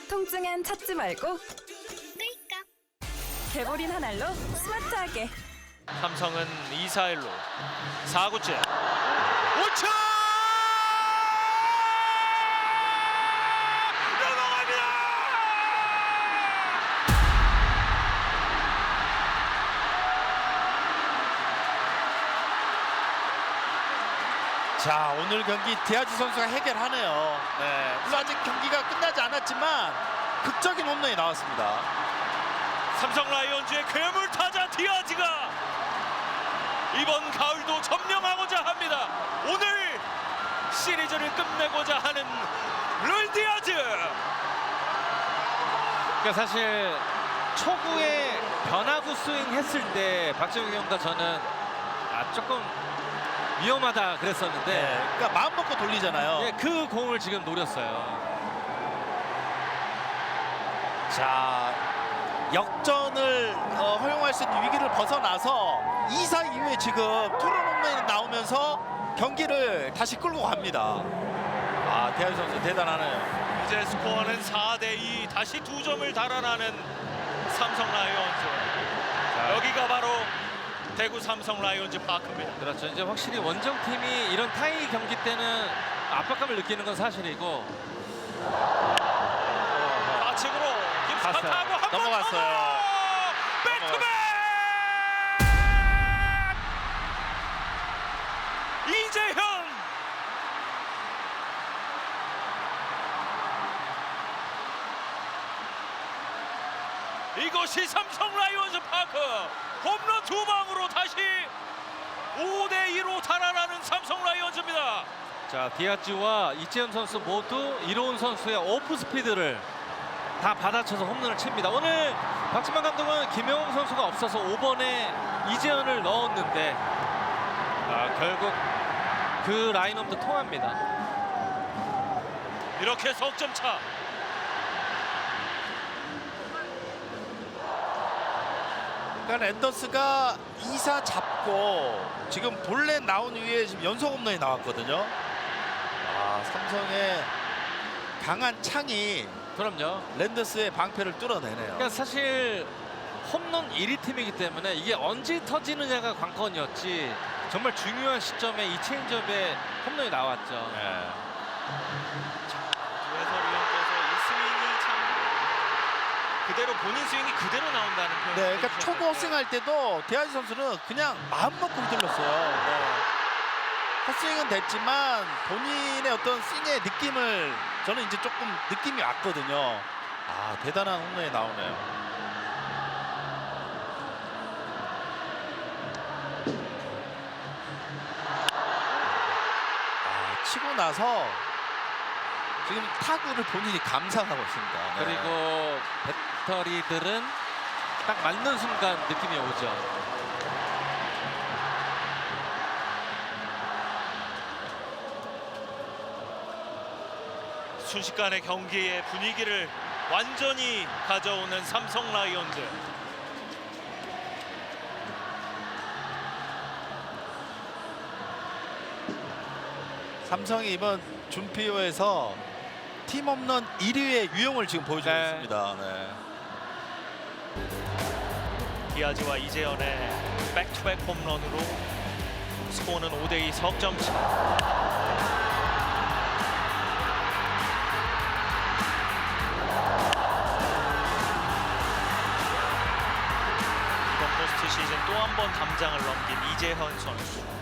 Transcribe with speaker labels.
Speaker 1: 통증엔 찾지 말고
Speaker 2: 끌까?
Speaker 1: 개보린 한 알로 스마트하게.
Speaker 3: 삼성은 2-4-1로 4구째 우측 넘어갑니다.
Speaker 4: 자, 오늘 경기 디아즈 선수가 해결하네요. 네, 물론 아직 경기가 끝나지 않았지만 극적인 홈런이 나왔습니다.
Speaker 3: 삼성 라이온즈의 괴물 타자 디아즈가 이번 가을도 점령하고자 합니다. 오늘 시리즈를 끝내고자 하는 룰 디아즈.
Speaker 5: 그러니까 사실 초구에 변화구 스윙 했을 때 박정희 형과 저는 조금 위험하다 그랬었는데
Speaker 4: 네, 그러니까 마음 먹고 돌리잖아요.
Speaker 5: 예, 그 공을 지금 노렸어요.
Speaker 4: 자, 역전을 허용할 수 있는 위기를 벗어나서 2사 이후에 지금 투런 홈런이 나오면서 경기를 다시 끌고 갑니다. 아, 디아즈 선수 대단하네요.
Speaker 3: 이제 스코어는 4대2 다시 2점을 달아나는 삼성 라이온즈. 여기가 바로 대구 삼성 라이온즈 파크입니다.
Speaker 5: 그렇죠. 이제 확실히 원정팀이 이런 타이 경기 때는 압박감을 느끼는 건 사실이고
Speaker 3: 좌측으로 김사타고
Speaker 5: 갔어요.
Speaker 3: 한번
Speaker 4: 넘어갔어요.
Speaker 3: 백투백 이재현. 이것이 삼성 라이온즈 파크. 홈런 2방으로 다시 5대2로 달아나는 삼성 라이온즈입니다.
Speaker 5: 자, 디아즈와 이재현 선수 모두 이로운 선수의 오프 스피드를 다 받아쳐서 홈런을 칩니다. 오늘 박지만 감독은 김영웅 선수가 없어서 5번에 이재현을 넣었는데 결국 그 라인업도 통합니다.
Speaker 3: 이렇게 석점 차.
Speaker 4: 그러니까 랜더스가 2사 잡고 지금 볼넷 나온 이후에 지금 연속 홈런이 나왔거든요. 아, 삼성의 강한 창이
Speaker 5: 그럼요.
Speaker 4: 랜더스의 방패를 뚫어내네요.
Speaker 5: 그러니까 사실 홈런 1위 팀이기 때문에 이게 언제 터지느냐가 관건이었지 정말 중요한 시점에 이 체인지업에 홈런이 나왔죠.
Speaker 3: 해설위원께서 이 스윙이 참 그대로 본인 스윙이 그대로 나온다는 표현.
Speaker 4: 네, 그러니까 초구 헛스윙할 때도 디아즈 선수는 그냥 마음 먹고 휘둘렀어요. 네. 헛스윙은 됐지만 본인의 어떤 스윙의 느낌을 저는 이제 조금 느낌이 왔거든요. 아, 대단한 홈런이 나오네요. 아, 치고 나서 지금 타구를 본인이 감상하고 있습니다. 네.
Speaker 5: 그리고 배터리들은 딱 맞는 순간 느낌이 오죠.
Speaker 3: 순식간에 경기의 분위기를 완전히 가져오는 삼성 라이온즈.
Speaker 4: 삼성이 이번 준피오에서 팀 홈런 1위의 유형을 지금 보여주고
Speaker 5: 네.
Speaker 4: 있습니다. 네.
Speaker 3: 디아즈와 이재현의 백투백 홈런으로 스코어는 5대2 석점 차. 이번 포스트 시즌 또 한 번 담장을 넘긴 이재현 선수.